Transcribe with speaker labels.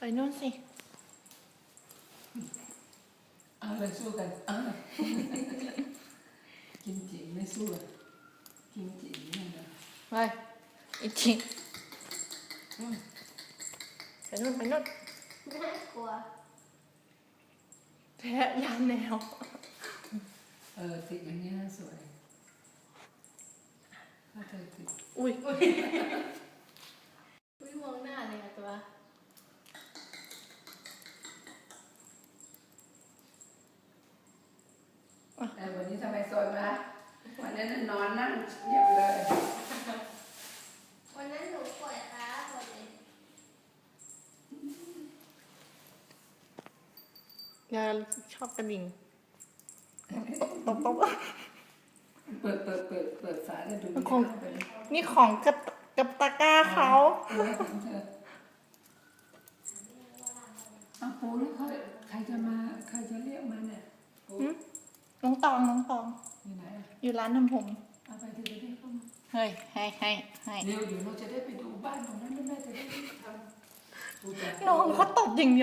Speaker 1: นู่นสิ
Speaker 2: เอาเลยสู้กันกิมจิไม่สู้กิมจินี่นะ
Speaker 1: ไปอีกทีไปนู่น
Speaker 3: น่ากลัว
Speaker 1: แพ้ยานแนว
Speaker 2: ติดอย่างนี้น่าสวยถ้าเธอติด
Speaker 1: อุ้ย
Speaker 3: มองหน้าเลยอะตัว
Speaker 2: วันนี้ทำไมสวยมาวันนั้นนอนนั่งเงียบเลย
Speaker 3: วันนั้นหนูปวดขาปวดเลย
Speaker 1: ยาชอบกระดิ่งตบ
Speaker 2: เปิดฝาแล้วดู
Speaker 1: นี่ของกับตะกร้าเขา
Speaker 2: ปูแล้วใครจะเรียกมาเนี่ย
Speaker 1: น้องตอง
Speaker 2: อยู่ไหน
Speaker 1: อยู่ร้านทำผม
Speaker 2: เอาไปเธอจะได้เข้ามา
Speaker 1: เฮ้ยให้
Speaker 2: เร็วเดี๋ยวเราจะได้ไปดูบ้านของนั้นแม่จะได้ทำ
Speaker 1: น้องเขาตบอย่างเดียว